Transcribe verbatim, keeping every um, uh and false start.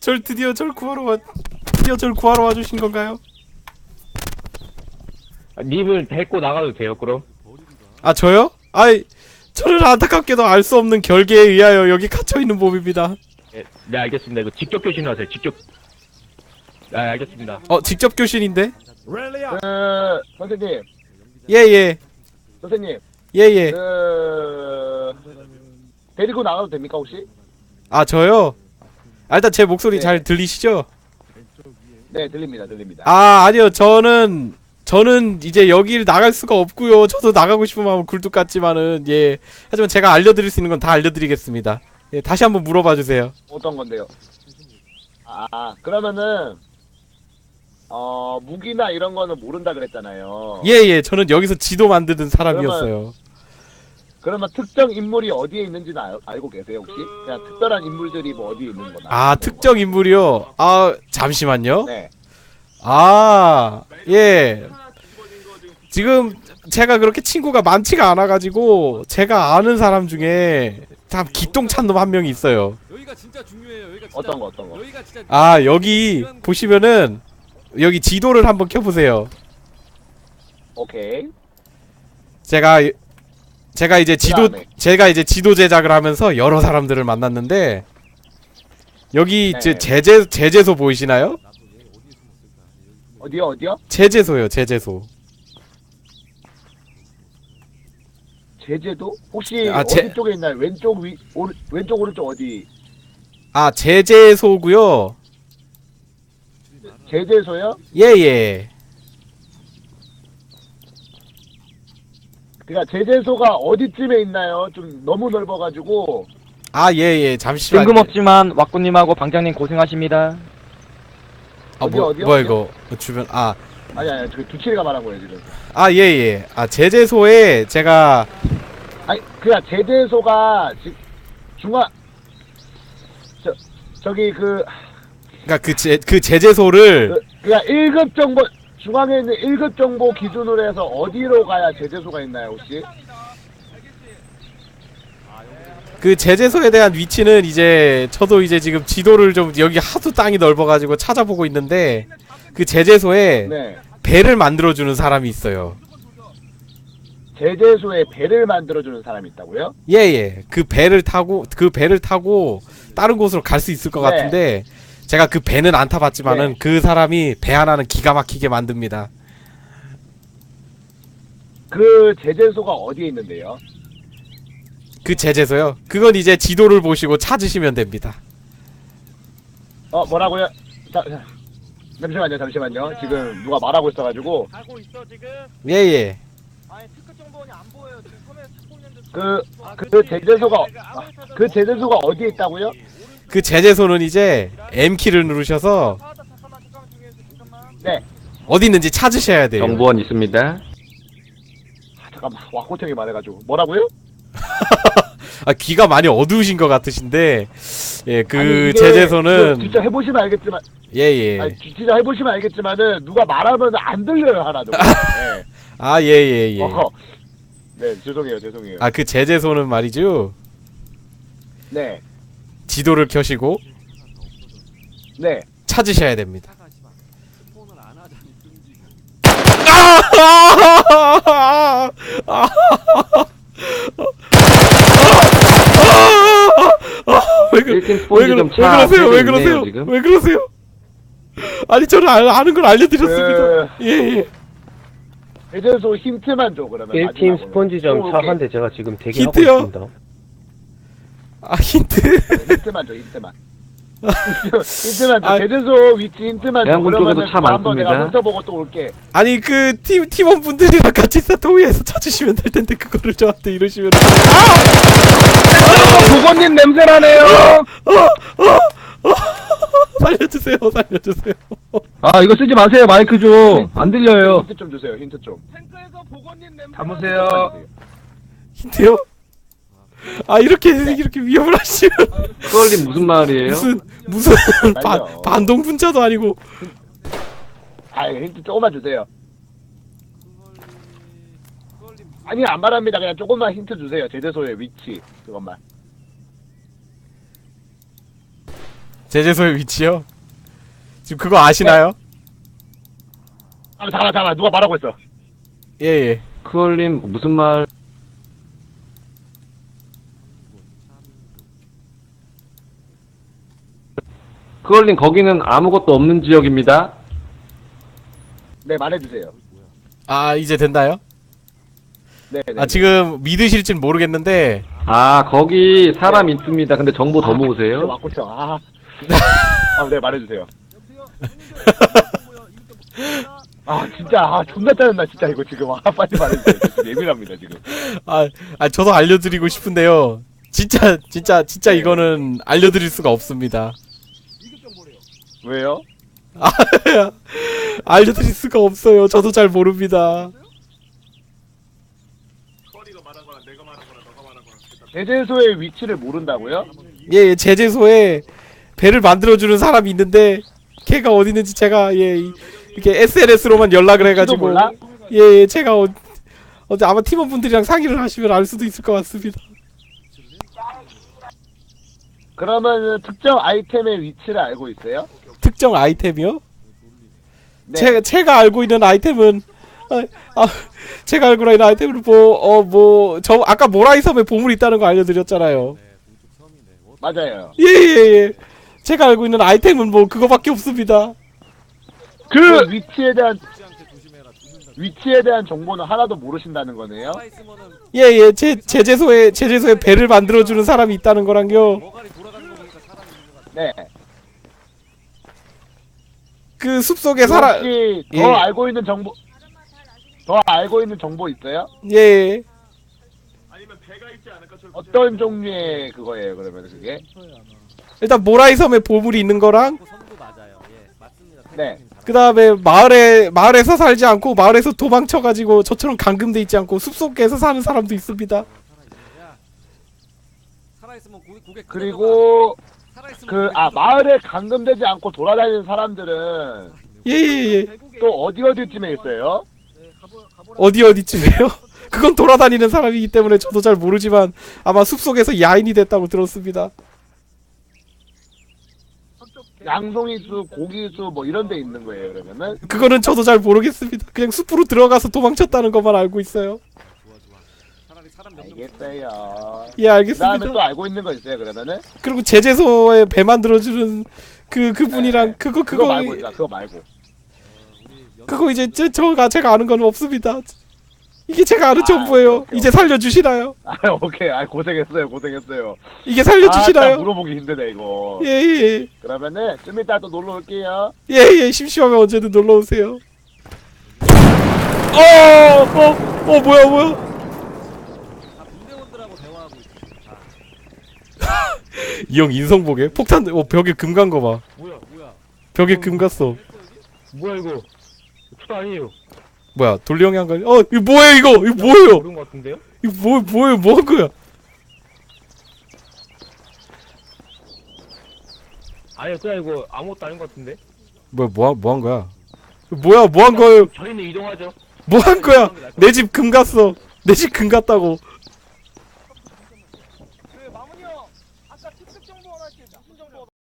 절 드디어 절 구하러 와 드디어 절 구하러 와주신 건가요? 아, 님을 데리고 나가도 돼요, 그럼? 아 저요? 아이 저는 안타깝게도 알 수 없는 결계에 의하여 여기 갇혀있는 몸입니다. 네, 네, 알겠습니다. 이거 직접 교신을 하세요, 직접. 아, 알겠습니다. 어 직접 교신인데? 그 선생님, 예예 선생님, 예예. 그 데리고 나가도 됩니까 혹시? 아 저요? 아, 일단 제 목소리 네. 잘 들리시죠? 네, 들립니다, 들립니다. 아 아니요 저는 저는 이제 여기를 나갈 수가 없고요. 저도 나가고 싶은 마음은 굴뚝 같지만은 예 하지만 제가 알려드릴 수 있는 건 다 알려드리겠습니다. 예 다시 한번 물어봐 주세요. 어떤 건데요? 아, 그러면은 어 무기나 이런 거는 모른다 그랬잖아요. 예예 저는 여기서 지도 만드는 사람이었어요. 그러면 특정 인물이 어디에 있는지는 알, 알고 계세요 혹시? 그냥 특별한 인물들이 뭐 어디에 있는 거나. 아 특정 인물이요? 아 잠시만요. 네. 아 예 지금 제가 그렇게 친구가 많지가 않아가지고 제가 아는 사람 중에 참 기똥찬 놈 한 명이 있어요. 여기가 진짜 중요해요. 여기가 진짜, 어떤 거 어떤 거? 여기가 진짜 아 여기 보시면은 여기 지도를 한번 켜보세요. 오케이. 제가 제가 이제 지도 그다음에. 제가 이제 지도 제작을 하면서 여러 사람들을 만났는데 여기 네. 제 제재 제재소 보이시나요? 어디요 어디요? 제재소요 제재소. 제재도? 혹시 아, 어디 제- 쪽에 있나요? 왼쪽 위 오른 왼쪽 오른쪽 어디? 아 제재소고요. 제재소요? 예예. 그러니까 제재소가 어디쯤에 있나요? 좀 너무 넓어가지고. 아 예예 잠시만. 뜬금없지만 왁구님하고 방장님 고생하십니다. 아 어디, 뭐 어디요? 뭐야 이거 주변 아 아니 아니 저 두칠이가 말한 거예요 지금. 아 예예. 아 제재소에 제가 아니 그냥 제재소가 지, 중앙 저 저기 그, 그러니까 그 제 그 제재소를 그 그냥 일 급 정보 중앙에 있는 일 급 정보 기준으로 해서 어디로 가야 제재소가 있나요 혹시? 그 제재소에 대한 위치는 이제 저도 이제 지금 지도를 좀 여기 하도 땅이 넓어가지고 찾아보고 있는데 그 제재소에 네. 배를 만들어주는 사람이 있어요. 제재소에 배를 만들어주는 사람이 있다고요? 예예. 그 배를 타고 그 배를 타고 다른 곳으로 갈 수 있을 것 네. 같은데 제가 그 배는 안 타봤지만은 네. 그 사람이 배 하나는 기가 막히게 만듭니다. 그 제재소가 어디에 있는데요? 그 제재소요? 그건 이제 지도를 보시고 찾으시면 됩니다. 어 뭐라고요? 자, 자, 잠시만요 잠시만요 지금 누가 말하고 있어가지고 가고 있어 지금. 예예. 아니 특급 정보원이 안 보여요. 지금 카메라 찾고 있는데. 그 아, 그 그치. 제재소가 내가 아, 아무리 찾아도 그 제재소가 어디에 있다고요? 그 제재소는 이제 M키를 누르셔서 아, 나 잠깐만 잠깐만 중요해. 잠깐만. 네. 어디 있는지 찾으셔야 돼요. 정보원 있습니다. 아, 잠깐만 와코팅이 말해가지고 뭐라고요? 아 귀가 많이 어두우신 것 같으신데 예 그 아니, 이게 제재소는 이거 진짜 해보시면 알겠지만 예예. 아니, 지- 진짜 해보시면 알겠지만은 누가 말하면 안 들려요 하나도. 네. 아 예예예. 어허. 네 죄송해요 죄송해요. 아 그 제재소는 말이죠. 네. 지도를 켜시고 네. 찾으셔야 됩니다. 폰을 안 하자니 끔지. 왜, 그, 일 팀 왜, 스폰지 그러, 좀 왜 차 그러세요? 왜 앞에 있네요, 그러세요? 지금. 왜 그러세요? 아니 저는 아, 아는 걸 알려드렸습니다. 그 예예. 제재소 힌트만 줘 그러면. 일 팀 마지막으로. 스폰지점 오, 차 오케이. 한 대 제가 지금 대기하고 힌트요? 있습니다. 아 힌트. 네, 힌트만 줘 힌트만. 힌트만 줘. 아, 제재소 위치 힌트만 줘. 대한군 쪽에도 그러면은 차 또 한번 내가 많습니다. 훑어보고 또 올게. 아니 그 팀 팀원분들이랑 같이 사토위에서 찾으시면 될 텐데 그거를 저한테 이러시면 보건님 냄새나네요. 살려주세요, 살려주세요. 아 이거 쓰지 마세요 마이크 좀 안 들려요. 힌트 좀 주세요 힌트 좀. 탱크에서 보건님 냄새. 담으세요. 힌트요? 아 이렇게 이렇게 위협을 하시면 그걸님 무슨 말이에요? 무슨 무슨 반 말려. 반동 분자도 아니고 아 힌트 조금만 주세요. 아니 안 말합니다. 그냥 조금만 힌트 주세요. 제재소의 위치 그것만. 제재소의 위치요? 지금 그거 아시나요? 아, 잠깐 잠깐 누가 말하고 있어. 예예. 크얼님 무슨 말? 크얼님 거기는 아무것도 없는 지역입니다. 네 말해주세요. 아 이제 됐나요? 네. 네 아 지금 믿으실진 모르겠는데 아 거기 사람 있습니다. 근데 정보 더 모으세요. 맞고 있어. 아. 아, 네 말해주세요. 아 진짜 아 존나 짜증나 진짜 이거 지금 아 빨리 말해주세요. 지금 예민합니다 지금. 아, 아 저도 알려드리고 싶은데요. 진짜 진짜 진짜 이거는 알려드릴 수가 없습니다. 왜요? 아, 알려드릴 수가 없어요. 저도 잘 모릅니다. 제재소의 위치를 모른다고요? 예, 예, 제재소에 배를 만들어주는 사람이 있는데 걔가 어디 있는지 제가 예 이- 이렇게 에스엔에스로만 연락을 해가지고 몰라? 예, 예 제가 어, 어제 아마 팀원분들이랑 상의를 하시면 알 수도 있을 것 같습니다. 그러면 특정 아이템의 위치를 알고 있어요? 특정 아이템이요? 네. 제가 제가 알고 있는 아이템은 아, 아 제가 알고 있는 아이템은 뭐어 뭐 저 아까 모라이 섬에 보물이 있다는 거 알려드렸잖아요. 맞아요. 예예예. 제가 알고 있는 아이템은 뭐 그거밖에 없습니다. 그 위치에 대한 위치에 대한 정보는 하나도 모르신다는 거네요. 예예. 제 제재소에 제재소에 배를 만들어주는 사람이 있다는 거랑요. 네. 그 숲속에 살아. 혹시 더 예. 알고 있는 정보 더 알고 있는 정보 있어요? 예. 어떤 종류의 그거예요? 그러면 그게? 일단 모라이 섬에 보물이 있는 거랑 네. 그 다음에 마을에 마을에서 살지 않고 마을에서 도망쳐가지고 저처럼 감금돼 있지 않고 숲속에서 사는 사람도 있습니다. 그리고 그 아 마을에 감금되지 않고 돌아다니는 사람들은 예예예. 또 어디 어디쯤에 있어요? 어디 어디쯤이에요? 그건 돌아다니는 사람이기 때문에 저도 잘 모르지만 아마 숲속에서 야인이 됐다고 들었습니다. 양송이수, 고기수 뭐 이런 데 있는 거예요, 그러면은? 그거는 저도 잘 모르겠습니다. 그냥 숲으로 들어가서 도망쳤다는 것만 알고 있어요. 알겠어요. 예, 그다음에 알겠습니다. 또 알고 있는 거 있어요, 그러면은? 그리고 제재소에 배 만들어주는 그 그분이랑 네. 그거 그거 그거 말고 있다, 그거 말고. 그거 이제 저, 저가 제가 아는 건 없습니다. 이게 제가 아는 아, 정보예요. 오케이, 이제 살려주시나요? 아, 오케이. 아, 고생했어요, 고생했어요. 이게 아, 딱 살려주시나요? 물어보기 힘드네, 이거. 예예 그러면은 좀 이따 또 놀러 올게요. 예예 심심하면 언제든 놀러 오세요. 어어어 어, 뭐야 뭐야? 이 형 인성보게 폭탄 어 벽에 금 간 거 봐. 뭐야 뭐야 벽에 금 갔어. 뭐야 이거 투도 아니에요. 뭐야 돌리 형이 한 거? 아니- 어 이거 뭐야 이거 이거 뭐예요? 모르는 것 같은데요? 이거 뭐 뭐예요 뭐 한 거야? 아니요 그냥 이거 아무것도 아닌 것 같은데. 뭐야 뭐뭐 한 거야? 뭐야 뭐 한 거예요? 저희는 이동하죠. 뭐 한 거야? 내 집 금 갔어. 내 집 금 갔다고.